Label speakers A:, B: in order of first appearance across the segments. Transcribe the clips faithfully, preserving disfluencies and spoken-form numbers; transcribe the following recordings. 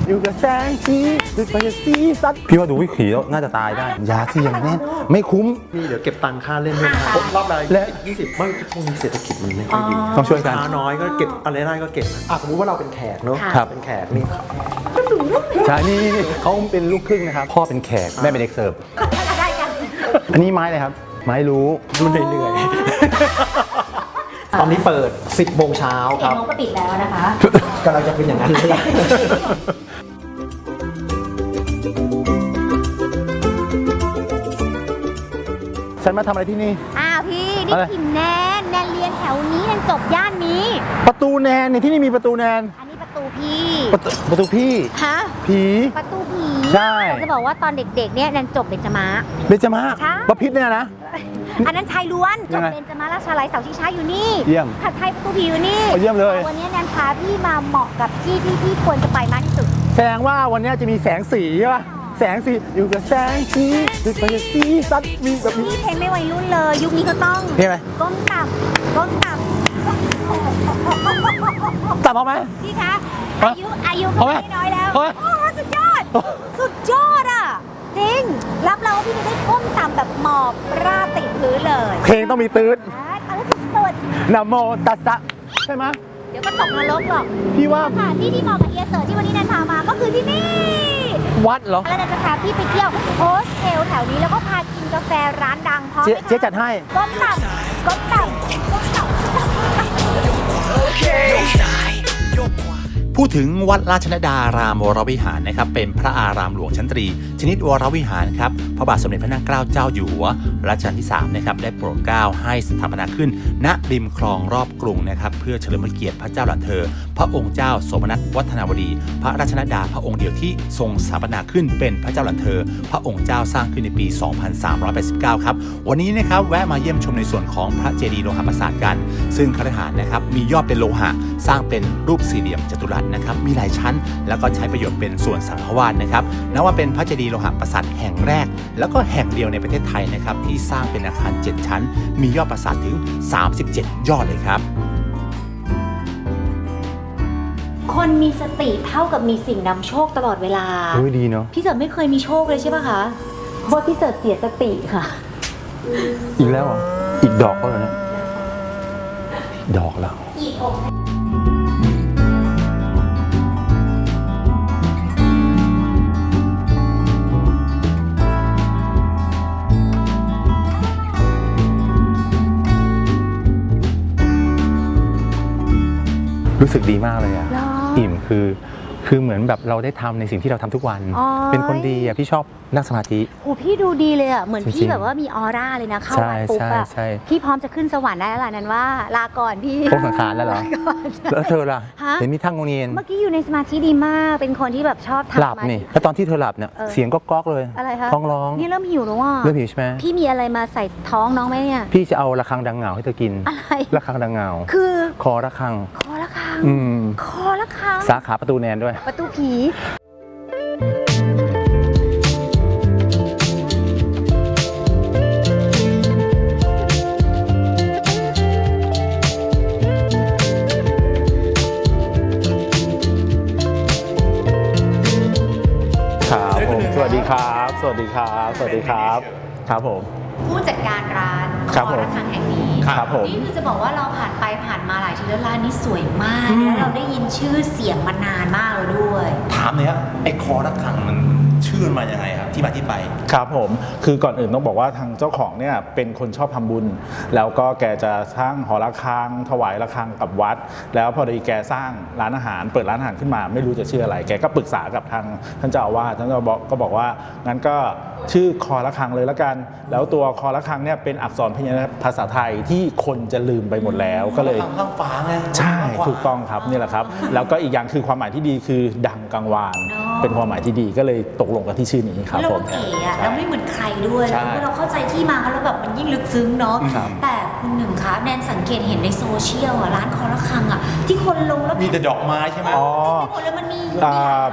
A: อยู่กับแสงสีดึกไปกับสีสัตว์พี่ว่าดูวิถีแล้วน่าจะตายได้ยาที่ยังแน่นไม่คุ้ม
B: พี่เดี๋ยวเก็บตังค่าเล่นด้วยนะรอบละ
A: และ
B: ยี่สิบไม่พวกนี้เศรษฐกิจมันไม่ค่อยดี
A: ต้องช่วยกัน
B: ค้าน้อยก็เก็บอะไรได้ก็เก็บอ่ะสมมุติว่าเราเป็นแขกเนาะ
A: ครับ
B: เป็นแขกนี่
A: ใช่นี่นี่นี่เขาเป็นลูกครึ่งนะครับพ่อเป็นแขกแม่เป็นเด็กเสิร์ฟอันนี้ไม้เลยครับไม้รู้
B: ดูเหนื่อยๆตอนนี้เปิดสิบโมงเช้าค
C: เห็น
B: รับ
C: โมงก็ปิดแล้วนะคะ
B: กำลังจะเป็นอย่างนั้นเลย
A: ฉันมาทำอะไรที่นี่
C: อ้าวพี่ นี่
A: อะไร
C: พิมแนนแนนเรียนแถวนี้แนนจบย่านนี้
A: ประตูแนนเนี่ยที่นี่มีประตูแนน
C: อันนี้ประตูพี่
A: ประตูประตูพี่
C: ฮะ
A: ผี
C: ประตูผี
A: ใช่
C: จะบอกว่าตอนเด็กๆเนี่ยแนนจบเบญจมาศ
A: เบญจมาศ
C: ใช่
A: ประพิษเนี่ยนะ
C: อันนั้นชายล้วนจ
A: ยั
C: บ
A: งไง
C: เบญจมาศราชาลัยเสาชิงช้าอยู่นี่
A: เยี่ยม
C: ผัดไทยประตูผีอยู่นี่
A: โอ้เยี่ยมเลย
C: วันนี้แนนพาพี่มาเหมาะกับที่ที่พี่ควรจะไปมากที่สุด
A: แสดงว่าวันนี้จะมีแสงสีใช่ป่ะแสงสีอยู่กับแสงสีดึกไปกับสีสัตว์มีแบบนี้
C: พี่เพลงไม่วัยรุ่นเลย ยุคนี้ก็ต้อง
A: เพลงอะไร
C: ก้มต่ำก้มต่ำ
A: ตัดออกไหม
C: พี่คะ
A: ฮะ
C: อายุอายุก็
A: เอาไหม
C: ไม่น้อยแล้ว
A: เอาไหม
C: โอ้สุดยอด สุดยอดอ่ะ จริง รับเราพี่จะได้ก้มต่ำแบบหมอบราบติดพื้นเลย
A: เพลงต้องมีตืด
C: อ่าเอาสุดสุด
A: นะโมตัสสะใช่ไหม
C: เดี๋ยวก็ตกนรกหรอก
A: พี่ว่า
C: สถานที่ที่เหมาะกับเอียเสิร์ที่วันนี้แนนพามาก็คือที่นี่
A: วัดเหรอ
C: แล้วแนนจะพาพี่ไปเที่ยวโฮสเทลแถวนี้แล้วก็พากินกาแฟร้านดังพร้อมไห
A: เจ๊
C: มคะ
A: เจ๊จัดให้
C: ก้มต่ำก้มต่ำก้มต่ำ
D: พูดถึงวัดราชนดารามวรวิหารนะครับเป็นพระอารามหลวงชั้นตรี ชนิดวรวิหารครับพระบาทสมเด็จพระนางเกล้าเจ้าอยู่หัวรัชกาลที่สามนะครับได้โปรดเกล้าให้สถาปนาขึ้นณริมคลองรอบกรุงนะครับเพื่อเฉลิมพระเกียรติพระเจ้าหลานเธอ พระองค์เจ้าสมณัฐวัฒนาวดี พระราชนดาพระองค์เดียวที่ทรงสถาปนาขึ้นเป็นพระเจ้าหลานเธอ พระองค์เจ้าสร้างขึ้นในปี สองพันสามร้อยแปดสิบเก้า ครับวันนี้นะครับแวะมาเยี่ยมชมในส่วนของพระเจดีย์โลหะปราสาทกัน ซึ่งคฤหาสน์นะครับมียอดเป็นโลหะสร้างเป็นรูปสี่เหลี่ยมจัตุรัสนะครับมีหลายชั้น แล้วก็ใช้ประโยชน์เป็นส่วนสังฆวาสนะครับนับว่าเป็นพระเจดีย์โลหะปราสาทแห่งแรก แล้วก็แห่งเดียวในประเทศไทยนะครับที่สร้างเป็นอาคารเจ็ดชั้น มียอดปราสาทถึงสามสิบเจ็ดยอดเลยครับ
C: คนมีสติเท่ากับมีสิ่งนำโชคตลอดเวลา
A: โอ้ยดีเนาะ
C: พี่เสิร์ชไม่เคยมีโชคเลยใช่ป่ะคะเพราะว่าพี่เสิร์ชเสียสติค่ะ
A: อีกแล้วเหรออีกดอกก็แล้วเนี่ยดอกแล้ว
C: อีกอก
A: รู้สึกดีมากเลยอะ
C: เหรอ
A: อิ่มคือคือเหมือนแบบเราได้ทำในสิ่งที่เราทำทุกวัน
C: อ๋อ
A: เป็นคนดีอะพี่ชอบนั่งสมาธิ
C: โหพี่ดูดีเลยอ่ะ เหมือน
A: จริงๆ
C: พี่แบบว่ามีออร่าเลยนะ เข้า
A: ใช่
C: วัดปุ๊บอ่ะ
A: ใช่ใช่
C: พี่พร้อมจะขึ้นสวรรค์ได้แล้วล่ะนั้นว่า ลาก่อนพี่
A: โค้งสังขารแล้วเหรอ
C: ก่อนใช่
A: แล้วเธอล่ะ
C: ฮะ
A: เห็นมีทั้งงงเงียน
C: เมื่อกี้อยู่ในสมาธิดีมาก เป็นคนที่แบบชอบทำ
A: หลับ
C: สมาธิ
A: นี่แล้วตอนที่เธอหลับเนี่ย
C: เออ
A: เสียงก็ก๊อกเลย
C: อะไรคะ
A: ท้องร้อง
C: นี่เริ่มหิวแล้วอ่ะ
A: เริ่มหิวใช่ไหม
C: พี่มีอะไรมาใส่ท้องน้องไหมเนี่ย
A: พี่จะเอาระฆังดังเหงาให้เธอกิน
C: อะไร
A: ระฆังดังเหงา
C: คือ
A: คอระฆัง
C: คอละครัง
A: อืม
C: คอละครัง
A: สาขาประตูแนนด้วย
C: ประตูผี
A: ครับผมสวัสดีครับ สวัสดีครับ สวัสดีครับ ครับผม
C: ผู้จัดการร้าน
A: ครับ
C: คอ
A: ผม
C: ระฆังแห่งนี้
A: ครับผม
C: นี่คือจะบอกว่าเราผ่านไปผ่านมาหลายทีแล้วร้านนี้สวยมาก แล้วเราได้ยินชื่อเสียงมานานมากแล้วด้วย
D: ถามเลยครับไอ้คอระฆังมันชื่อมันมายังไงครับที่มาที่ไป
E: ครับผมคือก่อนอื่นต้องบอกว่าทางเจ้าของเนี่ยเป็นคนชอบทำบุญ แล้วก็แกจะสร้างหอระฆังถวายระฆังกับวัด แล้วพอดีแกสร้างร้านอาหารเปิดร้านอาหารขึ้นมาไม่รู้จะชื่ออะไร แกก็ปรึกษากับทางท่านเจ้าอาวาสท่านเจ้าบอกก็บอกว่างั้นก็ชื่อคอระฆังเลยละกัน แล้วตัวคอระฆังเนี่ยเป็นอักษรพยัญชนะภาษาไทยที่คนจะลืมไปหมดแล้วก็เลย
D: ข้างฟ้าไง
E: ใช่ถูกต้องครับนี่แหละครับ แล้วก็อีกอย่างคือความหมายที่ดีคือดังกังวาน
C: เนอะ
E: เป็นความหมายที่ดีก็เลยตกลงกันที่ชื่อนี้ครับ
C: เรา
E: ผ
C: ก็
E: ม
C: เก๋อะแล้วไม่เหมือนใครด้วย
E: ใช่
C: แล้วเราเข้าใจที่มาเขาแล้วแบบมันยิ่งลึกซึ้งเนาะ
E: ครับ
C: แต่คุณหนึ่งคะแนนสังเกตเห็นในโซเชียลอะร้านคอระฆังอะที่คนลงแล้ว
D: มีแต่ดอกไม้ใช่ไหม
E: อ๋อ
C: ไม่หมดเลยมันมีมีหลาย
E: อ่า
C: ร้านเหรอคะ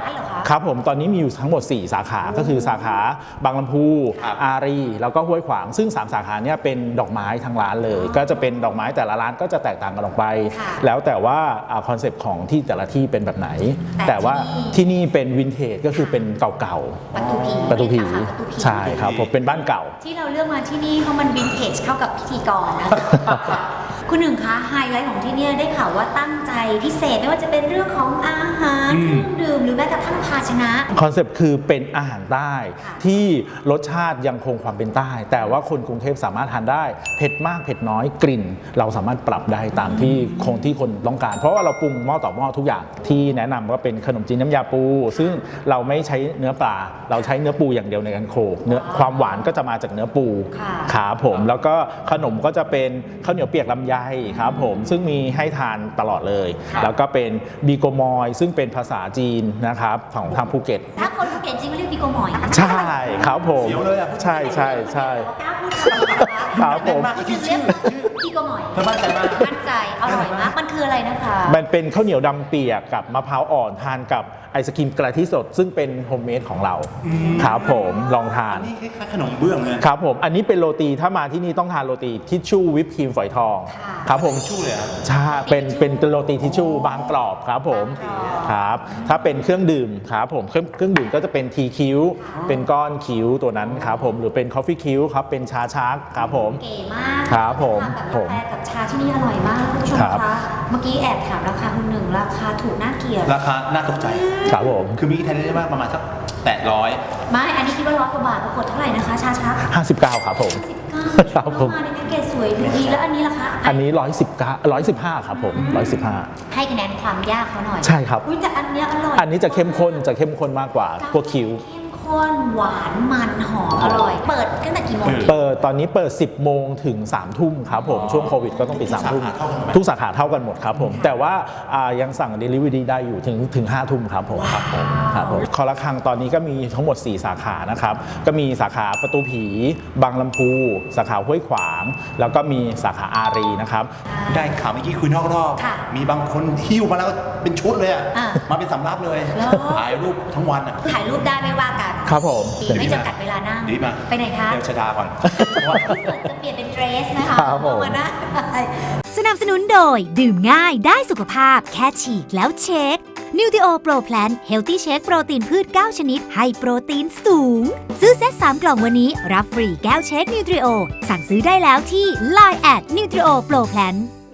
E: ครับผมตอนนี้มีอยู่ทั้งหมด สี่ สาขาก็คือสาขาบางลำพูอารีแล้วก็ห้วยขวางซึ่งสามสาขาเนี่ยเป็นดอกไม้ทั้งร้านเลยก็จะเป็นดอกไม้แต่ละร้านก็จะแตกต่างกันออกไปแล้วแต่ว่าคอนเซปต์ของที่แต่ละที่เป็นแบบไหนแต่ว่าที่นี่เป็นวินเทจก็คือเป็นเก่าๆประตูผีใช่ครับผมเป็นบ้านเก่า
C: ที่เราเลือกมาที่นี่เพราะมันวินเทจเข้ากับพิธีกรนะ คุณหนึ่งคะไฮไลท์ของที่นี่ได้ข่าวว่าตั้งใจพิเศษไม่ว่าจะเป็นเรื่องของอาหารเครื่องดื่มหรือแม้กระทั่งภาชนะ
E: คอนเซปต์คือเป็นอาหารใต้ที่รสชาติยังคงความเป็นใต้แต่ว่าคนกรุงเทพสามารถทานได้เผ็ดมากเผ็ดน้อยกลิ่นเราสามารถปรับได้ตามที่คงที่คนต้องการเพราะว่าเราปรุงหม้อต่อหม้อทุกอย่างที่แนะนำก็เป็นขนมจีนน้ำยาปูซึ่งเราไม่ใช้เนื้อปลาเราใช้เนื้อปูอย่างเดียวในการโขลกเนื้อความหวานก็จะมาจากเนื้อปูครับผมแล้วก็ขนมก็จะเป็นข้าวเหนียวเปียกลำไยครับผมซึ่งมีให้ทานตลอดเลยแล้วก็เป็นบีโกมอยซึ่งเป็นภาษาจีนนะครับของทางภูเก็ต
C: ถ้าคนภูเก็ตจริงก็เรียกบีโกมอย
E: ใช่ครับผมใช่ใช่ใช่ครับผม
C: ชื่อบีโกมอยมั่นใจมากมั่นใจอร่อยมากมันคืออะไรนะคะ
E: มันเป็นข้าวเหนียวดำเปียกกับมะพร้าวอ่อนทานกับไอศกรีมกะทิสดซึ่งเป็นโฮมเมดของเราครับผมลองทาน
D: นี่คล้ายๆขนมเบื้องเลย
E: ครับผมอันนี้เป็นโรตีถ้ามาที่นี่ต้องทานโรตีทิชชู่วิปครีมฝอยทองครับผม
D: ชู่เลย
E: ใช่เป็นเป็นโรตีทิชชู่บางกรอบครับผมครับถ้าเป็นเครื่องดื่มครับผมเครื่องเครื่องดื่มก็จะเป็นทีคิ้วเป็นก้อนคิ้วตัวนั้นครับผมหรือเป็นคอฟฟี่คิ้วครับเป็นชาชักครับผม
C: เก๋มาก
E: ครับผม
C: ผมกับชาที่นี่อร่อยมากคุณผู้ชมคะเมื่อกี้แอบถามราคาคุณหนึ่งราคาถูกน่าเกลียด
D: ราคาน่าตกใจ
E: ครับผม
D: คือมีแทนได้มากประมาณสักแปดร้อย
C: ไม่อันนี้คิดว่าร้อยกว่าบาทปรากฏเท่าไหร่นะคะชาชัก
E: ห้าสิบเก้าครับผม
C: ครับผมมาในแพ็กเกจสวยดีแล้วอันนี้ล่ะคะ
E: อันนี้ร้อยสิบเก้าร้อยสิบห้าครับผมร้อยสิบห้า
C: ให้คะแนนความยากเขาหน่อย
E: ใช่ครับ
C: อุ้ยแต่อันนี้อร่อย
E: อันนี้จะเข้มข้นจะเข้มข้นมากกว่าพวกคิ้ว
C: ข้นหวานมันหอมอร่อยเปิดตั้งแต่กี่โมง
E: เปิดตอนนี้เปิดสิบโมงถึงสามทุ่มครับผมช่วงโควิดก็ต้องปิดสามทุ่มทุกสาขาเท่ากันหมดครับผมแต่ว่ายังสั่ง Delivery ได้อยู่ถึงถึงห้าทุ่มครับผมครับผมครับผมคอละครังตอนนี้ก็มีทั้งหมดสี่สาขานะครับก็มีสาขาประตูผีบางลำพูสาขาห้วยขวางแล้วก็มีสาขาอารีนะครับ
D: ได้ข่าวเมื่อกี้คุยนอกรอบมีบางคนหิ้วมาแล้วเป็นชุดเลยอ่ะมาเป็นสำรับเลยถ่ายรูปทั้งวันอ่ะ
C: ถ่ายรูปได้ไม่ว่ากัน
E: ครับผม
C: ไม่จำกัดเวลานั่ง
D: ดีมา
C: ไปไหนคะ
D: เดี๋ยวชดาก่อน
C: พี่ฝนจะเปลี่ยนเป็นเดรสนะคะมานะ
F: สนับสนุนโดยดื่มง่ายได้สุขภาพแค่ฉีกแล้วเช็ค Nutrio Pro Plan Healthy Shake โปรตีนพืชเก้าชนิดให้โปรตีนสูงซื้อเซตสามกล่องวันนี้รับฟรีแก้วเช็ค Nutrio สั่งซื้อได้แล้วที่ ไลน์ แอท Nutrio Pro Plan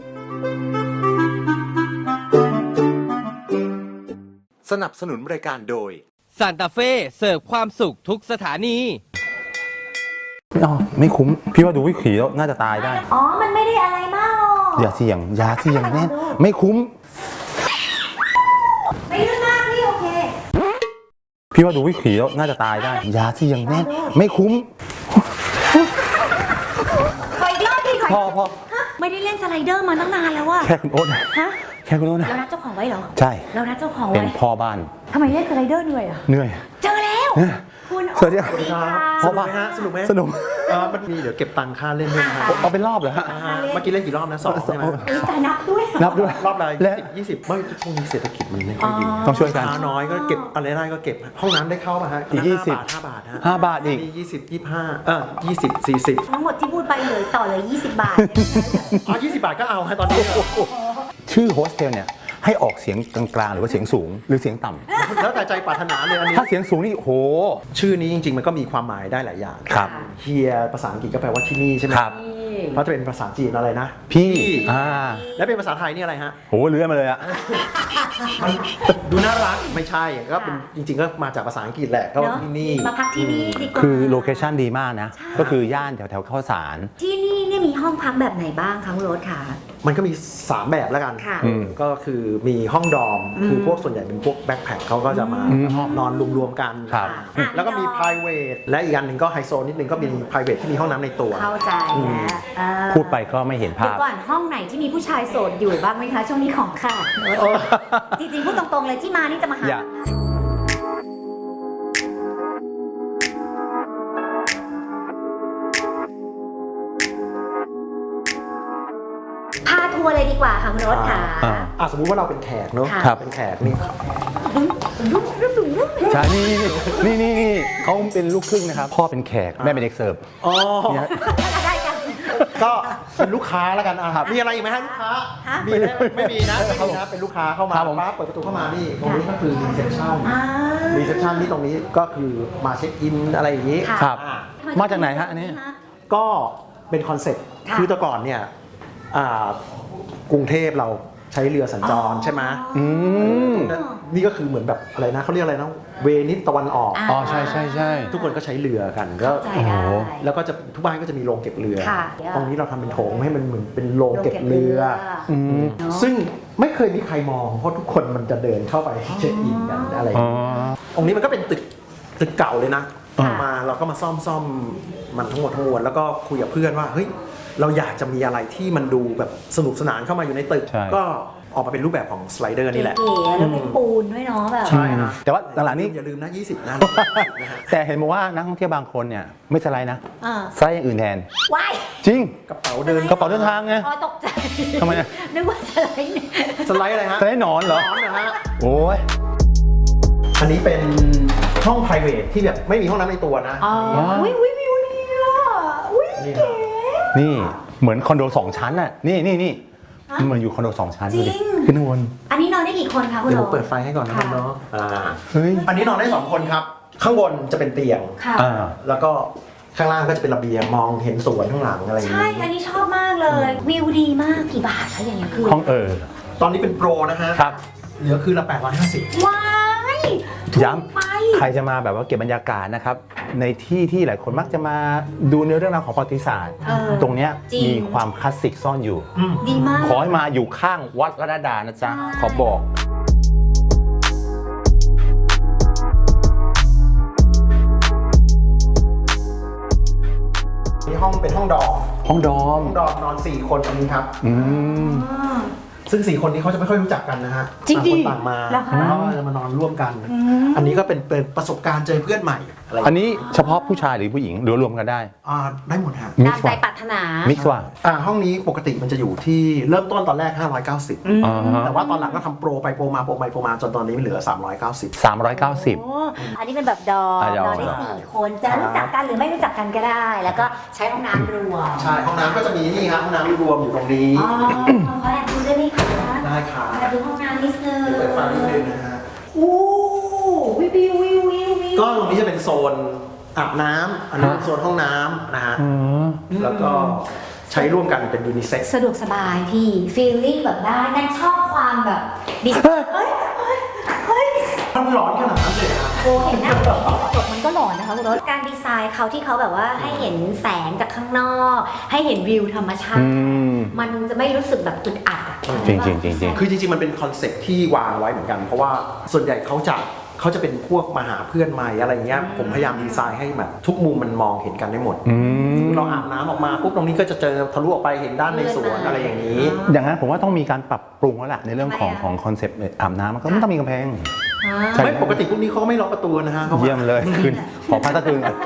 G: สนับสนุนรายการโดย
H: ซานตาเฟ่เสิร์ฟความสุขทุกสถานี
A: ไม่เอาไม่คุ้มพี่ว่าดูวิถีแล้วน่าจะตายได้
C: อ๋อมันไม่ได้อะไรมากหรอก
A: อย่าเสี่ยงอย่าเสี่ยงแน่ไม่คุ้ม
C: ไม่เรื่องมากพี่โอเค
A: พี่ว่าดูวิถีแล้วน่าจะตายได้อย่าเสี่ยงแน่ไม่คุ้ม
C: ขออีกรอบพี่ขอ
A: พอพอ
C: ไม่ได้เล่นสไลเดอร์มาตั้งนานแล้วอะ
A: แค่คุณโอ๊ตนะ
C: ฮะ
A: แค่คุณโอ๊ตนะ
C: เรานัดเจ้าของไว้เหรอ
A: ใช่
C: เรานัดเจ้าของไว้
A: เป็นพ่อบ้าน
C: ทำไมเล่นสไลเดอร์เหนื่อยอะ
A: เหนื่อย
C: เจอแล้วคุณ
A: สวัสดีครับ
B: สนุกไหมฮะสนุกไหม
A: สนุก
B: มันมีเดี๋ยวเก็บตังค่าเล่นด้วยนะ
A: เอาเป็นรอบเหรอฮะ
B: เมื่อกี้เล่นกี่รอบนะสองใช่ไหม
C: แต่นับด้วย
A: นับด้วย
B: รอบละยี่สิบไม่ช่วงนี้เศรษฐกิจมันไม่ค่อยดี
A: ต้องช่วยกัน
B: น้อยก็เก็บอะไรได้ก็เก็บห้องน้ำได้เข้าป่ะฮะ
A: อีกยี่สิบ
B: ห้าบาทฮะ
A: ห้าบาทอีก
B: มียี่สิบยี่สิบห้าเออยี่สิบสี่สิบ
C: ทั้งหมดที่พูดไปเลยต่อเลยยี่สิบบาท
B: อ๋อยี่สิบบาทก็เอาฮะตอนนี้
A: ชื่อโฮสเทลเนี่ยให้ออกเสียงกลางๆหรือว่าเสียงสูงหรือเสียงต่
B: ำแล้วแต่ใจปรารถนาเลยอันนี้
A: ถ้าเสียงสูงนี่โห
B: ชื่อนี้จริงๆมันก็มีความหมายได้หลายอย่าง
A: ครับ
B: เฮียภาษาอังกฤษก็แปลว่าที่นี่ใช่ไหม
A: ครับ
B: เพราะจะเป็นภาษาจีนอะไรนะ
A: พี่อ่า
B: แล้วเป็นภาษาไทยนี่อะไรฮะ
A: โหเลื้อยมาเลยอะ
B: ดูน่ารักไม่ใช่ก็เป็นจริงๆก็มาจากภาษาอังกฤษแหละก็ที่นี่
C: มาพักที่นี่ดีกว่า
A: คือโลเคชั่นดีมากนะก็คือย่านแถวแถวข้าวสาร
C: ที่นี่เนี่ยมีห้องพักแบบไหนบ้างคะคุณโรสค่ะ
B: มันก็มีสามแบบแล้วกันก็คือมีห้องดอมคือพวกส่วนใหญ่เป็นพวกแบ็คแพ็คเขาก็จะมานอนรวมๆกันแล้วก็มี private และอีกอันหนึ่งก็ไฮโซนิดนึงก็มี private ที่มีห้องน้ำในตัว
C: เข้าใจแล้ว
A: พูดไปก็ไม่เห็นภาพ
C: ก่อนห้องไหนที่มีผู้ชายโสดอยู่บ้างไหมคะช่วงนี้ของค่ะจริงๆพูดตรงๆเลยที่มานี่จะมาหาพาทัวร์เลยดีกว่าค่ะคุณรถค่ะ
B: สมมุติว่าเราเป็นแขกเนาะเป็นแขกนี่
A: ใช่นี่นี่นี่นี่เขาเป็นลูกครึ่งนะครับพ่อเป็นแขกแม่เป็นเด็กเสิร์ฟ
B: อ๋อ
A: เนี่ย
C: ได้กัน
B: ก็เป็นลูกค้าแล้วกันอ่ะมีอะไรอีกไหมฮะลูกค้า
C: ฮะ
B: มีไหมไม่มีนะไม่มีนะเป็นลูกค้าเข้ามาปั๊บเปิดประตูเข้ามานี่ตรงนี้ก็คือรีเซพชัน
C: อ่า
B: รีเซพชันที่ตรงนี้ก็คือมาเช็คอินอะไรอย่างนี้
C: ค่ะ
A: ครับ
B: อ่า
A: มาจากไหนฮะอันนี้
B: ก็เป็นคอนเซ็ปต์
C: ค่ะ
B: คือแต่ก่อนเนี่ยอ่ากรุงเทพเราใช้เรือสัญจรใช่ไหม
A: อืม
B: นั่นนี่ก็คือเหมือนแบบอะไรนะเขาเรียกอะไรนะเวนิสตะวันออก
A: อ๋อใช่ใช่ใช่
B: ทุกคนก็ใช้เรือกันก็
C: ใจ
A: โอ้โห
C: ได้
B: แล้วก็จะทุกบ้านก็จะมีโรงเก็บเรือ
C: ค่ะ
B: ตรงนี้เราทำเป็นโถงให้มันเหมือนเป็นโรงเก็บเรือ
A: อืม
C: เนอะ
B: ซึ่งไม่เคยมีใครมองเพราะทุกคนมันจะเดินเข้าไปเช็คอินกันอะไรอย่าง
A: อ๋อ
B: เงี้ยตรงนี้มันก็เป็นตึกตึกเก่าเลยนะ
A: ค่ะ
B: มาเราก็มาซ่อมซ่อมมันทั้งหมดทั้งมวลแล้วก็คุยกับเพื่อนว่าเฮ้ยเราอยากจะมีอะไรที่มันดูแบบสนุกสนานเข้ามาอยู่ในตึก
A: ใช่
B: ก็ออกมาเป็นรูปแบบของสไลเดอร์นี่แหละ
C: เก๋ๆแล้วเป็นปูนด้วยเนาะแบบ
B: ใช่ฮะ
A: แต่ว่าหลังๆนี้
B: อย่าลืมนะยี่สิบนะ นะฮะ
A: แต่เห็นบอกว่านักท่องเที่ยวบางคนเนี่ยไม่สไลด์นะ
C: อ่า
A: สไลด์อย่างอื่นแทน
C: ว้าย
A: จริง
B: กระเป๋าเดิน
A: กระเป๋าเดินทางไง
C: อ๋อตกใจ
A: ทำไมอะ
C: นึกว่าสไลด์เนี่ย
B: สไลด์อะไรฮะ
A: สไลด์หนอนเหรอ
B: นอนนะฮะ
A: โอ้ย
B: อันนี้เป็นห้อง private ที่แบบไม่มีห้องน้ำในตัวนะ
C: อ๋ออุ้ยอุ้ยวิวดีอ่ะอุ้ย
B: นี่
C: เก๋
A: นี่เหมือนคอนโดสองชั้นน่ะนี่นี่นี่
C: ฮะ
A: มันเหมือนอยู่คอนโดสองชั้น
C: จริ
A: ดู
C: ง
A: ดิขึ้นข้างบน
C: อันนี้นอนได้กี่คนคะคุณ
B: เดี๋ยว
C: โร
B: ผมเปิดไฟให้ก่อนนะครับ
C: ค่ะ
B: เนาะอ่า
A: เฮ้ย
B: อันนี้นอนได้สองคนครับ ข้างบนจะเป็นเตียง
C: ค่ะ
A: อ่า
B: แล้วก็ข้างล่างก็จะเป็นระเบียงมองเห็นสวนข้างหลังอะไรอย่าง
C: ใช่
B: นี้
C: อันนี้ชอบมากเลย วิวดีมากกี่บาทคะอย่างเงี้ยคือ
A: ห้องเออ
B: ตอนนี้เป็นโปรนะฮะ
A: ครับ
B: เหลือคือละแปดร้อยห้าสิบ
C: ว้ายถูก
A: ย้
C: ไป
A: ำใครจะมาแบบว่าเก็บบรรยากาศนะครับ ในที่ที่หลายคนมักจะมาดูเนื้อเรื่องราวของประวัติศาสตร์
C: เออ
A: ตรงเนี้ย
C: จริง
A: มีความคลาสสิกซ่อนอยู่
C: ดีมาก
A: ขอให้มาอยู่ข้างวัดรัตนดานะจ๊ะ
C: ใช่
A: ขอบอก
B: นี่ห้องเป็นห้องดอม
A: ห้องดอม
B: ห้องดอมนอนสี่คนตรงนี้ครับ
A: อืม
C: อ๋อ
B: ซึ่งสี่คนนี้เขาจะไม่ค่อยรู้จักกันนะฮะ
C: จริงดิ
B: ต่างคนต่างมา
C: เหรอคะ
B: แล้วก็จะมานอนร่วมกัน อันนี้ก็เป็นเป็นประสบการณ์เจอเพื่อนใหม่อะไรอย่าง
A: อัน
B: เงี้ย
A: นี้เฉพาะผู้ชายหรือผู้หญิงหรือรวมกันได้
B: อ่าได้หมดฮะ
A: มิ
C: ตาก ม
A: ซ์
C: ใจ
A: ว่ะ
C: ปรารถนา
A: มิกซ์ว่ะ
B: อ่าห้องนี้ปกติมันจะอยู่ที่เริ่มต้นตอนแรกห้าร้อยเก้าสิบ
A: อ่าฮะ
B: แต่ว่าตอนหลังก็ทำโปรไปโปรมาโปรไปโปรมาจนตอนนี้มันเหลือสามร้อยเก้าสิบ
A: สามร้อยเก้าสิบ
C: โอ้อันนี้เป็นแบบดอม
A: อ่ะด
C: น
A: อม
C: อนได้สี่คนจะรู้จักกันหรือไม่รู้จักกันก็ได้ แล้วก็ใช้ห้องน้ำรวม
B: ใช่ห้องน้ำก็จะมีนี่ครับห้องน้ำรวมอยู่ตรงนี้
C: อ๋อขอแอบดูได้ไหมคะ
B: ได้ค่ะ
C: แอบดูห้องน้ำนิดนึง
B: เปิดไฟนิดนึงนะฮะ
C: อู้วิววิววิววิววิว
B: ก็ตรงนี้จะเป็นโซนอาบน้ำอันนี้เป็นโซนห้องน้ำนะฮะแล้วก็ใช้ร่วมกันเป็นยูนิเซ็กซ์
C: สะดวกสบายพี่ฟีลลิ่งแบบได้นั่นชอบความแบบดิสเฮ้ยเฮ้ยเฮ้ย
B: ถ้ามันร้อนขนาดนั้นเลยครับ
C: โอ้เห็นหน้าจบมันก็หลอนนะคะคุณรถการดีไซน์เขาที่เขาแบบว่าให้เห็นแสงจากข้างนอก ให้เห็นวิวธรรมชา
A: อื
C: ติ
A: ม
C: มันจะไม่รู้สึกแบบอึดอัดอะ
A: จริงจริงจริงจริง
B: คือจริงๆมันเป็นคอนเซ็ปต์ที่วางไว้เหมือนกัน เพราะว่าส่วนใหญ่เขาจะเขาจะเป็นพวกมาหาเพื่อนใหม่อะไรเงี้ยผมพยายามดีไซน์ให้แบบทุกมุมมันมองเห็นกันได้หมด
A: อืม
B: เราอาบน้ำออกมาปุ๊บตรงนี้ก็จะเจอทะลุออกไปเห็นด้านในสวนอะไรอย่างนี้
A: อย่างนั้นผมว่าต้องมีการปรับปรุงแล้วล่ะในเรื่องของ
C: ทำไมอะ
A: ของคอนเซปต์อาบน้ำมันก็ไม่ต้องมีกำแพง ใช่
B: ไม่ปกติพวกนี้เขาก็ไม่ล็อกประตูนะฮะขา
A: เยี่ยมเลยคืนขอพักตะคืนก่อน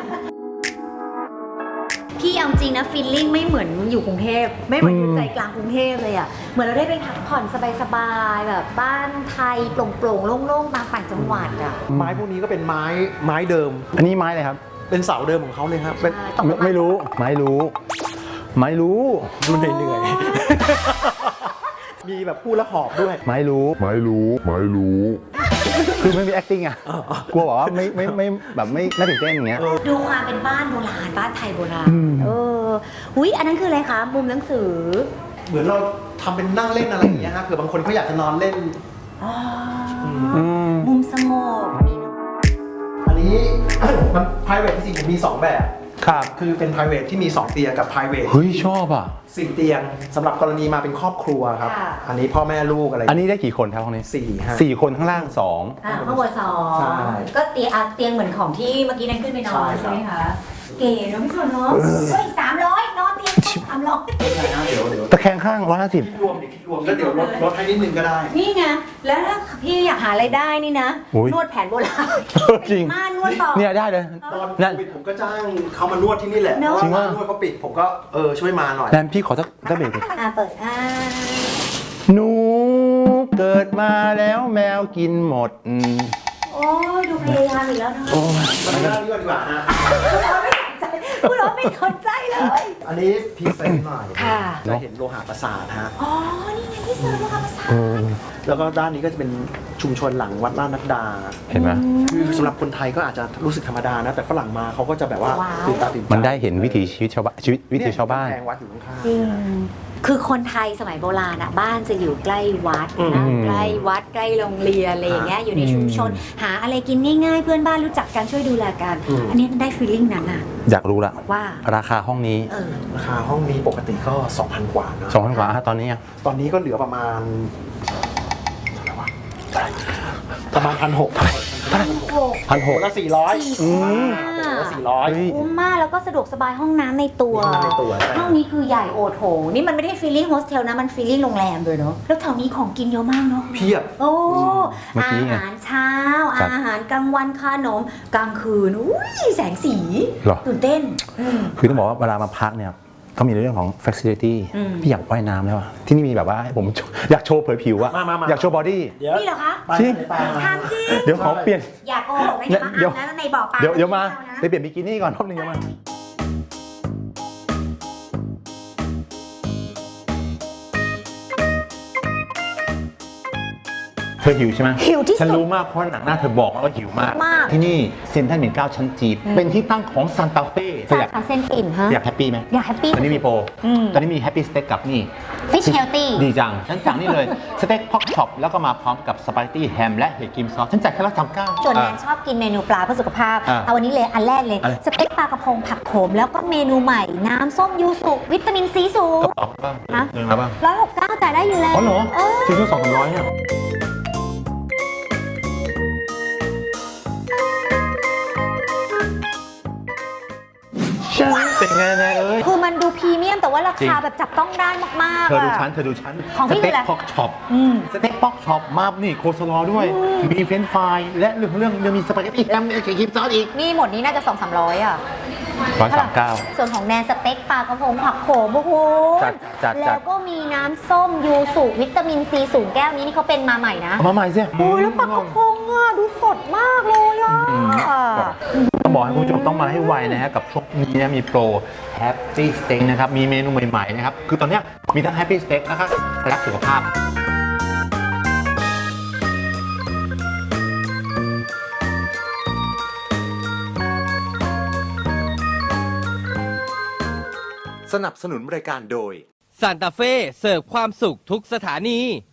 C: พี่เอาจริงนะฟีลลิ่งไม่เหมือนอยู่กรุงเทพไม่เหมือนอยู่ใจกลางกรุงเทพเลยอะเหมือนเราได้ไปพักผ่อนสบายๆแบบบ้านไทยโปร่งๆโล่งๆตามต่างจังหวัดอะ
B: ไม้พวกนี้ก็เป็นไม้ไม้เดิม
A: อันนี้ไม้เลยครับ
B: เป็นเสาเดิมของเขาเลยครับเป็น
C: ตก
A: ไม่
C: ลงา
A: ไม่รู้ ไม่รู้ ไม่รู้
B: ดูเหนื่อยๆ มีแบบพูดแล้วหอบด้วย
A: ไม่รู้
I: ไม่รู้ ไม่รู้
A: คือไม่มี acting อ่ะ กลัวบอกว่าไม่ไม่ไม่แบบไม่น่าตื่นเต้นอย่างเงี้ย
C: ดูความเป็นบ้านโบราณบ้านไทยโบราณ
A: อืม
C: เอออุ้ยอันนั้นคืออะไรคะมุมหนังสือ
B: เหมือนเราทำเป็นนั่งเล่นอะไรอย่างเงี้ยฮะเผื่อบางคนเขาอยากจะนอนเล่น
C: อ๋อ
A: อืม
C: มุมสงบ
B: อันนี้ มัน private จริงๆผมมีสองแบบ
A: ครับ
B: คือเป็น private ที่มีสองเตียงกับ private
A: เฮ้ยชอบอ่ะ
B: สี่เตียงสำหรับกรณีมาเป็นครอบครัวครับ
C: ค่ะ
B: อันนี้พ่อแม่ลูกอะไร
A: อันนี้ได้กี่คนครับห้องนี้
B: สี่ฮะ
A: สี่คนข้างล่างสอง
C: อ่าข้างบนสอง
B: ใช่
C: ก็เตียงอ่ะเตียงเหมือนของที่เมื่อกี้นั่นขึ้นไปนอน
B: ใช่ครับ
C: ใช่ไหมคะ เก๋เนาะพี่ชนเนาะเฮ้ยสามร้อยนอนเตียงสามร้อย
B: ไม่ใช่นะเดี๋ยวเดี๋ยว
A: ตะแคงข้างร้อยห้าสิบ
B: คิดรวมดิคิดรวมแล้วเดี๋ยวลดลดให้นิดนึงก็ได้
C: นี่ไง แล้วถ้าพี่อยากหารายได้นี่นะ
A: อุ๊ย
C: นวดแผนโบราณ
A: จริง
C: ม่านวดต่อ
A: เนี่ยได้เลย
B: ตอน
A: นั่น
B: โควิดผมก็จ้างเขามานวดที่นี่แหละ
C: เนอะ
B: เพ
A: จริ
B: ราะ
A: ง
B: ว่า
A: ว่า
B: ร้านนวดเขาปิดผมก็เออช่วยมาหน่อย
A: แนนพี่ขอสักสักเบรกหนึ่ง
C: อ่าเปิดอ่า
A: หนูเกิดมาแล้วแมวกินหมดอืม
C: โอ้ยดูแพพยายามอีกแล้วนะ
A: โอ้ย
B: มาดูด้านนี้ก่อนดีกว่าฮะ
C: คุณเราไม่สนใจเลย
B: อันนี้พรีเซนต์หน่อย
C: ค่ะ
B: จะเห็นโลหะประสาทฮะ
C: อ๋อ นี่ไงที่เซิร์ฟว่าภาษา
A: เออ
B: แล้วก็ด้านนี้ก็จะเป็นชุมชนหลังวัดลาดนัดดา
A: เห็นไหม
B: คือสำหรับคนไทยก็อาจจะรู้สึกธรรมดานะ แต่ฝรั่งมาเขาก็จะแบบว่า
C: ว้าว
B: ตื่นตาตื่นใจ
A: มันได้เห็นวิถีชีวิตชาวบ้านชีวิตวิถีชาวบ้าน
B: แพงวัดอยู่ข้างๆ
C: จริง คือคนไทยสมัยโบราณอะบ้านจะอยู่ใกล้วัด
B: อื
C: นะ
A: ม
C: ใกล้วัดใกล้โรงเรียนอะไรอย่างเงี้ยอยู่ในชุมชน หาอะไรกินง่ายๆ เพื่อนบ้านรู้จักกันช่วยดูแลกัน อันนี้มันได้ฟีลลิ่งนั้นอะ
A: อยากรู้ละ
C: ว่า
A: ราคาห้องนี้
C: เออ
B: ราคาห้องนี้ปกติก็ สองพัน กว่านะ
A: สองพันกว่าอ่ะตอนนี้อ่ะ
B: ตอนนี้ก็เหลือประมาณเท่าไหร่วะประมาณพันหก
A: พันหก
B: ละสี่ร้อย
C: อืม
B: ละสี่ร้อย
C: คุ้มมากแล้วก็สะดวกสบายห้องน้ำในตัว
B: มีห้องน้ำในตัวใช่
C: ห้องนี้คือใหญ่โอโถงนี่มันไม่ได้ฟีลลิ่งโฮสเทลนะ มันฟีลลิ่งโรงแรมเลยเนาะแล้วแถวนี้ของกินเยอะมากเนาะ
B: เพียบ
C: โอ้
A: เมื่อ
C: อา
A: กี้ไง
C: หารเช้า
A: ครับ
C: อาหารกลางวันขนมกลางคืนอุ้ยแสงสี
A: เหรอ
C: ตื่นเต้นอืม
A: คือต้องบอกว่าเวลามาพักเนี่ยเขามีในเรื่องของ facility
C: อืม
A: พี่อยากว่ายน้ำแล้วอะที่นี่มีแบบว่าให้ผมอยากโชว์เผยผิวอะ
B: มามามา
A: อยากโชว์บอดี้
B: เดี๋ยว
C: นี่เหรอคะ
B: ไป
A: จริง
B: ไปไป
C: ถามจริง
A: เดี๋ยวขอเปลี่ยน
C: อย่าโกหกนะอย่ามา
A: เดี๋ยว
C: อ้างนะในบ่อปลา
A: เดี๋ยวเดี๋ยวมา
C: ไอ
A: ไปเปลี่ยนบิกินี่ก่อนรอบนึงเดี๋ยวมาเธอหิวใช่ไหม
C: หิวที่
A: ฉัน
C: สุด
A: รู้มากเพราะหนังหน้าเธอบอกว่าหิวมาก
C: มาก
A: ที่นี่เซ็นทรัลหมิ่นเกล้าชั้นจีบเป็นที่ตั้งของซานตาเฟ่เธออยาก
C: สาขาเส้นปิ่นฮะ
A: อยากแฮปปี้ไหม
C: อยากแฮปปี้
A: ตอนนี้มีโปร
C: อืม
A: ตอนนี้มีแฮปปี้สเต็กกับนี่
C: Fish Healthy
A: ดีจัง ฉันสั่งนี่เลย สเต็กพ็อกช็อปแล้วก็มาพร้อมกับสปาเกตตี้แฮมและเห็ดครีมซอส ฉันจ่ายแค่ละสามเก้า
C: ส่วนแนนชอบกินเมนูปลาเพื่อสุขภาพ
A: อ่า
C: เอาวันนี้เลยอันแรกเลย
A: อะไร
C: สเต็กปลากระพงผักโขมแล้วก็เมนูใหม่ น้ำส้มยูสุวิตามินซีสูง
A: กระเป๋าบ้าง
C: ฮะ
A: เงินแล้วบ้าง
C: ร้อยหกเก้าจ่ายได้อยู่แล้ว
A: อ๋อเหรอ
C: เออ
A: จริงๆสองพันร้อยเนี่ยฉันเป็นไงแน่เอ้ย
C: คือมันดูพรีเมียมแต่ว่ารา
A: จริ
C: คาง แบบจับต้องได้มากๆ
A: เธอดู
C: อะ
A: ชั้น เธอดูชั้น
C: ของพี่
A: สเต็ก
C: คืออะไร
A: พ็อกช็อป
C: อืม
A: สเต็กพ็อกช็อปมานี่โคสลอด้วย มีเฟรนช์ฟรายและเรื่องเรื่องยังมีสปาเกตตี้แฮมและเห็ดครีมซอสอีก
C: นี่หมดนี้น่าจะสองสามร้อยอ่ะ
A: ร้อยสามเก้า
C: ส่วนของแนนสเต็กปลากระพงผักโขมโอ้โห
A: จัดจัดจัด
C: แล้วก็มีน้ำส้มยูสุวิตามินซีสูงแก้วนี้นี่เขาเป็นมาใหม่นะ
A: เอามาใหม่สิ
C: โอ้ยแล้วปลากระพงอ่ะดูสดมากเลยอ่ะ
A: ต้องบอกให้คุณผู้ชมต้องมาให้ไวนะฮะกับช่วงนี้นะมีโปร Happy Steak นะครับมีเมนูใหม่ๆนะครับคือตอนเนี้ยมีทั้ง Happy Steak นะครับรักสุขภาพ
G: สนับสนุนรายการโดย
H: ซานตาเฟ่เสิร์ฟความสุขทุกสถานี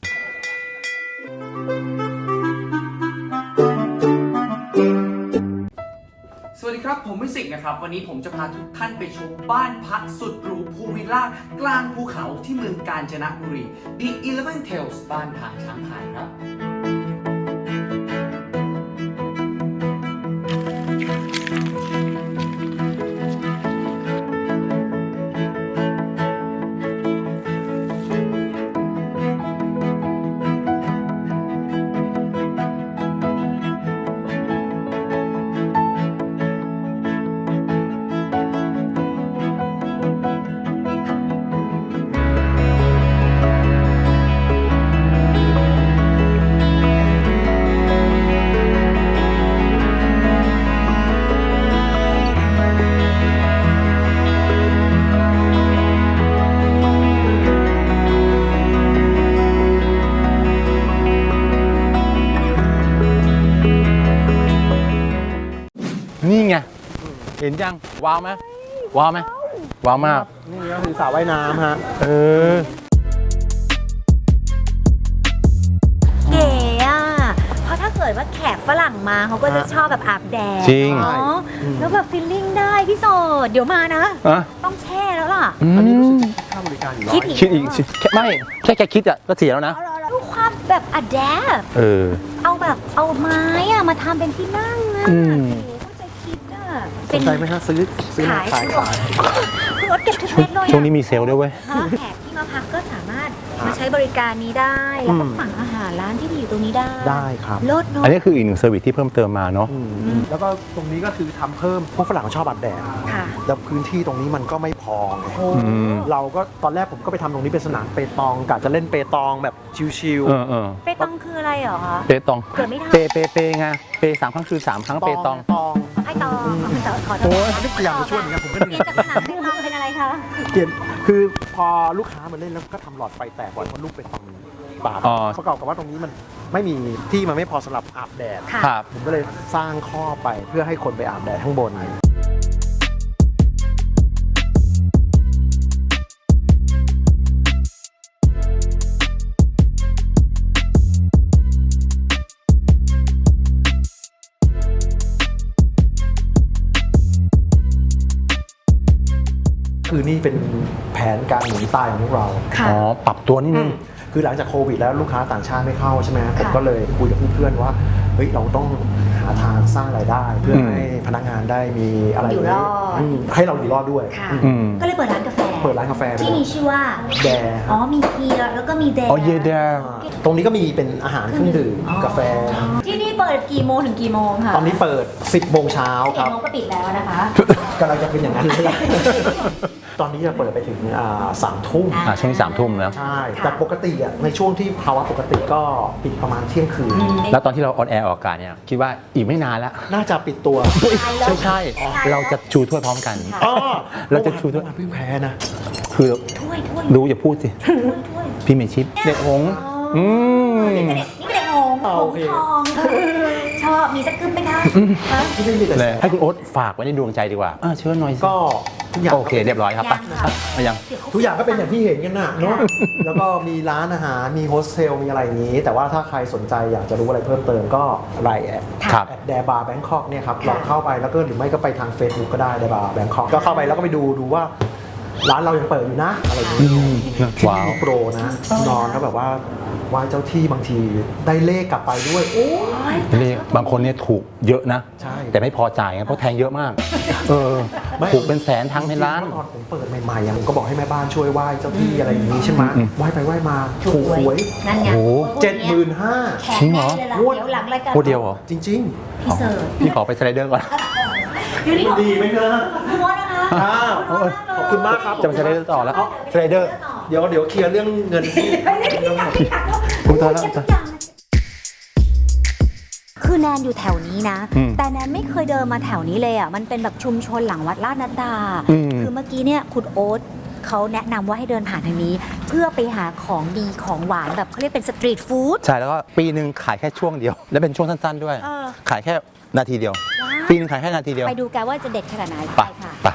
I: สวัสดีครับ ผมมิสิกนะครับ วันนี้ผมจะพาทุกท่านไปชมบ้านพักสุดหรูพูลวิลล่ากลางภูเขาที่เมืองกาญจนบุรี The Eleven Tales บ้านทางช้างพายครับ
A: นี่ไง เห็นยัง ว้าวไหมว้าวไหมว้าวมาก
B: นี่ก็คือสระว่ายน้ำฮะ
A: เออ
C: เก๋อ่ะ เพราะถ้าเกิดว่าแขกฝรั่งมาเขาก็จะชอบแบบอาบแดด
A: จริง
C: เนาะแล้วแบบฟีลลิ่งได้พี่โสดเดี๋ยวมานะ
A: อะ
C: ต้องแช่แล้วล่ะ
A: อื
B: อันนี้รู้สึก
A: ม
B: จะค่าบริการอยู่ร้อ
C: คิด
B: ย
C: อีก
A: คิดอีกสิแค่ไม่แค่แค่คิดอะก็เสียแล้วนะ
C: เอาเราดูความแบบอะแดป
A: เออ
C: เอาแบบเอาไม้อะมาทำเป็นที่นั่งอะ
A: อืม
C: โอ้โหเข้าใจคิดอะ
B: สนใจไหมฮะซื้อซื้อมา
C: ขาย
B: ขายขาย
C: คือรถเก็บทุกเม็ดเลยอะ
A: ช่วงนี้มีเซลล์ด้วยเว้ย
C: ฮะแขกที่มาพักก็สามารถมาใช้บริการนี้ได้แล้วก็สั่งอาหารร้านที่อยู่ตรงนี้ได้
B: ได้ครับ
C: ลดเนาะ
A: อันนี้คืออีกหนึ่งเซอร์วิสที่เพิ่มเติมมาเนาะ
B: อืมแล้วก็ตรงนี้ก็คือทำเพิ่มพวกฝรั่งชอบอาบแดด
C: ค่ะ
B: แล้วพื้นที่ตรงนี้มันก็ไม่พอไง
C: โอ้
B: เราก็ตอนแรกผมก็ไปทำตรงนี้เป็นสนามเปตองกะจะเล่นเปตองแบบชิว
A: เออเออ
C: เปตองคืออะไรเหรอคะ
A: เปตอง
C: เกิดไม่ทัน
A: เปเปเปไงเปสามครั้งคือสามครั้ง
B: ๆ
A: เปตอง
B: ตอง
C: ไอตองขอขอโท
B: โอ้
C: ษ
B: ยนี่พยายามจะช่วยเหมือนกันผมก็
C: เป
B: เหนื่
C: ลี่
B: อย ย
C: นจากสนามเปตองเป็นอะไรคะ
B: เปลี่ยนคือพอลูกค้ามาเล่นแล้วก็ทำหลอดไฟแตกบ่อยเพราะลูกเปตองมันบาด
A: อ๋อ
B: ประกอบกับว่าตรงนี้มันไม่มีที่มันไม่พอสำหรับอาบแดด
C: ค่ะ
A: ครับ
B: ผมก็เลยสร้างข้อไปเพื่อให้คนไปอาบแดดข้างบน คือนี่เป็นแผนการหนีตายของพวกเรา
C: ค่ะ
A: อ๋อ ปรับตัวนิดนึง
B: คือหลังจากโควิดแล้วลูกค้าต่างชาติไม่เข้าใช่ไหมผม
C: ค่ะ
B: ก็เลยคุยกับเพื่อนๆว่าเฮ้ยเราต้องหาทางสร้างรายได้ เพื่อ
A: อืม
B: ให้พนักงานได้มีอะไร
C: อยู่รอด
B: มให้เราอยู่รอดด้วย
C: ค่ะ
A: อืม
C: ก็เลยเปิดร้านกาแฟ
B: เปิดร้านกาแฟไป
C: ที่มีชื่อว่า
B: แด
C: อ๋อมีเฮียแล้วก็มีแด
A: อ๋อเยเดร์
B: ตรงนี้ก็มีเป็นอาหารเครื่องดื่มกาแฟ
C: ที่นี่เปิดกี่โมงถึงกี่โมงคะ
B: ตอนนี้เปิด สิบโมงเช้าค
C: เจ็ด
B: รับ
C: โมงก็ปิดแล้วนะคะ
B: กำลังจะเป็นอย่างนั้นเลย ตอนนี้จะเปิดไปถึงอ่าสามทุ่ม
C: อ่า
A: อ่าช่วงนี้สามทุ่มแล้ว
B: ใช่ แต่ปกติอ่ะในช่วงที่ภาวะปกติก็ปิดประมาณเที่ยงคืน
A: แล้วตอนที่เราออนแอร์ออกอากาศเนี่ย คิดว่าอีกไม่นานแล้ว
B: น่าจะปิดตัว
A: ใช่ใช่เราจะชูถ้วยพร้อมกัน
B: อ๋อ
A: เราจะชูด้วย
B: เพิ่งแพ้นะ
A: คือ
C: ถ้วยถ้วย
A: รู้อย่าพูดสิ
C: ถ้วยถ้วย
A: พี่เมชิปเด็กหงส์อืม
C: นี่เป็นเด็กนี่เป็นเด็กหงส์
B: อ่า
C: ห
B: โอง เค
C: ส์ทองชอบมีสักกึ่มไหมคะฮะ
B: ที่ไม่มีแต่
A: เลยให้คุณโอ๊ตฝากไว้ในดวงใจดีกว่าอ่าเชิญหน่อยสิ
B: ก็ทุกอย่าง
A: โอเค เรียบร้อยครับไป
C: ยังค่ะ
A: มายัง
B: ทุกอย่างก็เป็นอย่างที่เห็นกันน่ะเนาะ แล้วก็มีร้านอาหาร มีโฮสเทล มีอะไรอย่างนี้ แต่ว่าถ้าใครสนใจอยากจะรู้อะไรเพิ่มเติมก็ไลน์แอด
A: ครับ
B: แอดแดบาร์แบงคอกเนี่ยครับลองเข้าไปแล้วก็หรือไม่ก็ไปทาง Facebook ก็ได้แดบาร์แบงคอกก็เข้าไปแล้วก็ไปดูดูว่าร้านเรายังเปิดอยู่นะ อะไรอย่างนี้ที่
A: ว้าว
B: มีโปรนะ นอนแล้วแบบว่าไหว้เจ้าที่บางทีได้เลขกลับไปด้วย โอ้ย
A: นี่บางคนเนี่ยถูกเยอะนะ
B: ใช่
A: แต่ไม่พอจ่ายไงเพราะแทงเยอะมาก เออ
B: ไม่
A: ถูกเป็นแสนทั้งในร้าน
B: จงๆเมื่อตอนผมเปิดใหม่ๆอะผมก็บอกให้แม่บ้านช่วยไหว้เจ้าที่อะไรอย่างนี้ใช่ไหม
A: อืม
B: ไหว้ไปไหว้มาถูกหวย
C: นั่นไง
A: โอ้โห
B: เจ็ดหมื่นห้า
C: แขก
A: จริงเหรอ
C: แน่เลยล่ะ
B: งวด
C: เดี๋ยวหลังรายการ
A: โคตรเดียวเหรอ
B: จริง
C: พี่เสิร์ฟ
A: พี่ขอไปสไลเดอร์ก่อน
C: เดี๋ยวนี้
B: ๆ ดีไหมเนอะ
C: คุณวอนะคะ
B: อ้าวขอบคุณมากครับ
A: จะไปสไลเดอร์ต่อแล้วสไลเดอร์
B: เดี๋ยวเดี๋ยวเคลียร์เรื่องเงินที่
A: คุณตาแล้ว
C: คือแนนอยู่แถวนี้นะ
A: อืม
C: แต่แนนไม่เคยเดินมาแถวนี้เลยอ่ะ มันเป็นแบบชุมชนหลังวัดลาดนัดดา
A: อืม
C: คือเมื่อกี้เนี่ยคุณโอ๊ตเขาแนะนำว่าให้เดินผ่านทางนี้ เพื่อไปหาของดีของหวานแบบเขาเรียกเป็นสตรีทฟู้ด
A: ใช่แล้วก็ปีหนึ่งขายแค่ช่วงเดียว และเป็นช่วงสั้นๆด้วย
C: เออ
A: ขายแค่นาทีเดียว
C: ว้าว
A: ปีหนึงขายแค่นาทีเดียว
C: ไปดูกันว่าจะเด็ดขนาดไหน
A: ไป
C: ค่ะ
A: ไป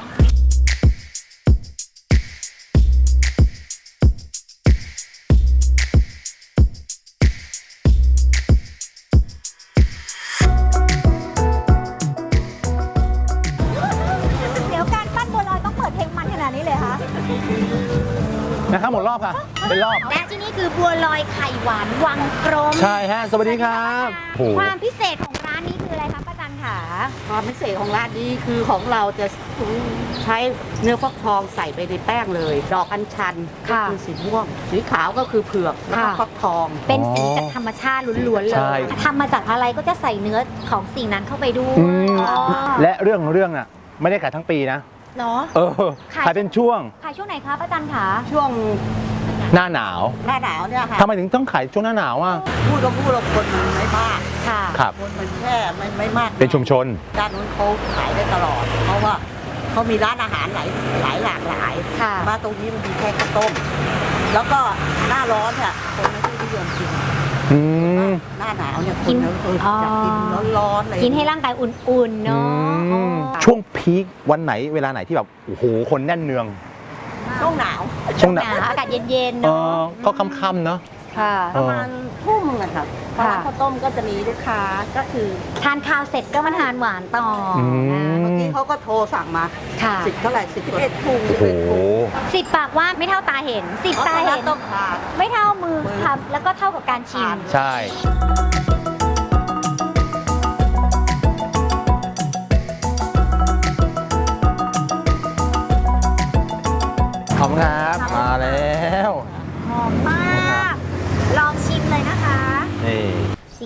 C: เดี๋ยวการปั้นบัวลอยต้องเปิดเพลงมันขนาดนี้เลยคะ
A: นะครับหมดรอบค่ะ เป็นรอบ
C: และที่นี่คือบัวลอยไข่หวานวังกรม
A: ใช่ฮะ สวัสดีครับโอ้โห
C: ความพิเศษของร้านนี้คืออะไรคะป้าจันค่ะ
J: ความพิเศษของร้านนี้คือของเราจะใช้เนื้อฟักทองใส่ไปในแป้งเลย ดอกอัญชันก็
C: ค่ะ
J: คือสีม่วง สีขาวก็คือเผือกแล้วก็
C: ค่ะ
J: ฟักทอง
C: เป็นสีจากธรรมชาติล้วนๆเล
A: ใช่
C: ยทำมาจากอะไรก็จะใส่เนื้อของสิ่งนั้นเข้าไปด้วย
A: อืม
C: อ๋อ
A: และเรื่องของเรื่องอ่ะ ไม่ได้ขายทั้งปีนะ
C: เหรอ
A: เออ
C: ขาย
A: ขายเป็นช่วง
C: ขายช่วงไหนคะป้าจันคะ
J: ช่วง
A: หน้าหนาว
J: หน้าหนาวเนี่ยค่ะ
A: ทำไมถึงต้องขายช่วงหน้าหนาวอ่ะ
J: พูดก็พูดเราคนมันไม่มาก
C: ค่ะ
A: ครับ
J: คนมันแค่ไม่ไม่มาก
A: เป็นชุมชน
J: ด้านนู้นเขาขายได้ตลอด เพราะว่าเขามีร้านอาหารหลายหลายหลากหลาย
C: ค่ะ
J: มาตรงนี้มันมีแค่ข้าวต้ม แล้วก็หน้าร้อนเนี่ยคนไม่ค่อยนิยมกิน
A: อืม
J: หน้าหนาวเนี่ยค
C: กิ
J: น
C: น
J: เอออยากกินร้อนๆอะไร
C: กินให้ร่างกายอุ่นๆ
A: อื
C: เนาะ
A: ม
C: อ๋อ
A: ช่วงพีควันไหนเวลาไหนที่แบบ โอ้โห คนแน่นเนือง
J: ช่วงหนาว
A: ช่วงหนาว
C: อากาศเย็นๆ
A: เอ
C: เนาะ
A: อก็ค่ำๆเนาะ
C: ค่ะ
A: เอ
J: ประ
A: อ
J: มาณทุ่มนะครับเพราะว่าข้าวต้มก็จะมีลูกค้าก็คือ
C: ทานข้าวเสร็จก็มาทานหวานต่ออ
A: ม
J: เมื่อกี้เขาก็โทรสั่งมา
C: ค่ะ
J: สิบเท่าไหร่สิบเอ็ดถุง
A: โอ้
J: สิบ
A: โห
J: เอ็ดถุง
C: สิบปากว่าไม่เท่าตาเห็นสิบตาเห็น
J: ต้องทาน
C: ไม่เท่ามือทำแล้วก็เท่ากับการชิม
A: ใช่ ขอบคุณครับ มาแล้ว
C: หอมมา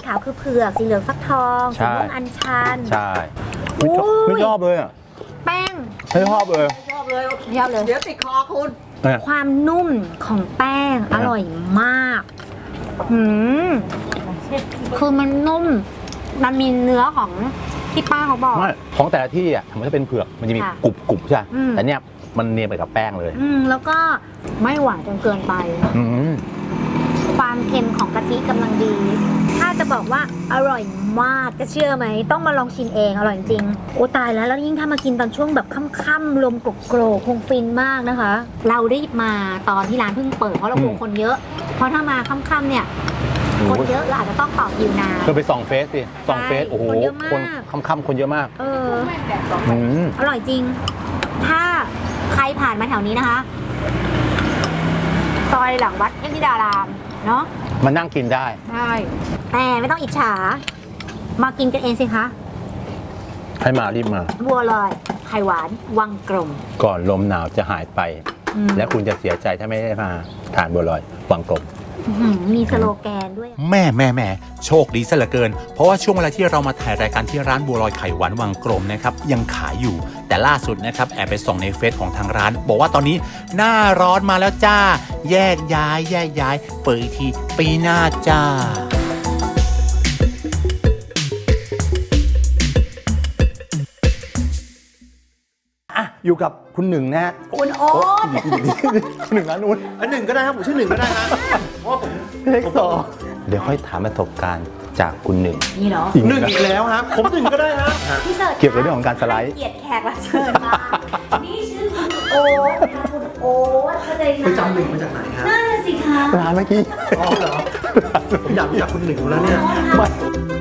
C: ขาวคือเผือกสีเหลืองฟักทองสีม่วงอัญชัน
A: ใช่ไม่ชอบไม่ชอบเลยอ่ะ
C: แป้ง
A: ไม่ชอบเลย
J: ชอบเลย
C: ชอบเลย
J: เดี๋ยวติดคอคุณ
A: เนี่ย
C: ความนุ่มของแป้งอร่อยมากหืมคือมันนุ่ม มันมีเนื้อของที่ป้าเขาบอก
A: ไม่ของแต่ละที่อ่ะมันจะเป็นเผือกมันจะมี
C: ค่ะ
A: กรุบกรุบใช่ไหม
C: อืม
A: แต่เนี้ยมันเนียนไปกับแป้งเลย
C: อืมแล้วก็ไม่หวานจนเกินไป
A: อืม
C: ความเค็มของกะทิกำลังดี ถ้าจะบอกว่าอร่อยมากจะเชื่อไหม ต้องมาลองชิมเองอร่อยจริงโอ้ตายแล้วแล้วยิ่งถ้ามากินตอนช่วงแบบค่ำๆลมโกรกๆคงฟินมากนะคะ เราได้มาตอนที่ร้านเพิ่งเปิดเพราะเรากลัวคนเยอะ เพราะถ้ามาค่ำๆเนี่ยคนเยอะเราอาจจะต้องต่อคิวนาน
A: ก็ไปส่องเฟซสิส่องเฟซโอ้โห
C: คนเยอะมาก
A: คนค่ำๆคนเยอะมาก
C: เออ
A: อืม
C: อร่อยจริง ถ้าใครผ่านมาแถวนี้นะคะซอยหลังวัดเทพธิดารามเนาะ
A: มานั่งกินได้
C: ใช่ แต่ไม่ต้องอิจฉา มากินกันเองสิคะ
A: ให้มารีบมา
C: บัวลอยไข่หวาน วังกลม
A: ก่อนลมหนาวจะหายไป
C: อืม
A: และคุณจะเสียใจถ้าไม่ได้มาทานบัวลอยวังกลม
C: อื้อหือมีสโลแกนด้วย
D: แม่แม่แม่โชคดีซะเหลือเกิน เพราะว่าช่วงเวลาที่เรามาถ่ายรายการที่ร้านบัวลอยไข่หวานวังกลมนะครับยังขายอยู่ แต่ล่าสุดนะครับแอบไปส่องในเฟซของทางร้าน บอกว่าตอนนี้หน้าร้อนมาแล้วจ้า แยกย้ายแยกย้าย เปิดอีกทีปีหน้าจ้า
A: อ่ะอยู่กับคุณหนึ่งนะฮะ
C: คุณโอ๊ต
A: คุณหนึ่งร้านนู้น
B: อันหนึ่งก็ได้ครับผมชื่อหนึ่งก็ได้ฮะเพราะว่าผม
A: เล็กสองเดี๋ยวค่อยถามประสบการณ์จากคุณหนึ่ง
C: นี่เหรอ
B: หนึ่งอีกแล้วครับ ผมหนึ่งก็ได้ฮะ
C: พี่เสิร์ช
A: เกี่ยวกับเรื่องของการสไลด์
C: เกียรติแขกรับเชิญมา นี่ชื่อคุณโอ๊ตค่ะคุณโอ๊ตเข้าใจไหม
B: ไปจำหนึ่งมาจากไหนฮะ
C: นั่นน่ะสิคะ
A: ร้านเมื่อกี้
B: อ๋อเหรอ ผมอยากรู้จักคุณหนึ่งอยู่แล้วเนี่ย
C: โอ๊ตค่ะ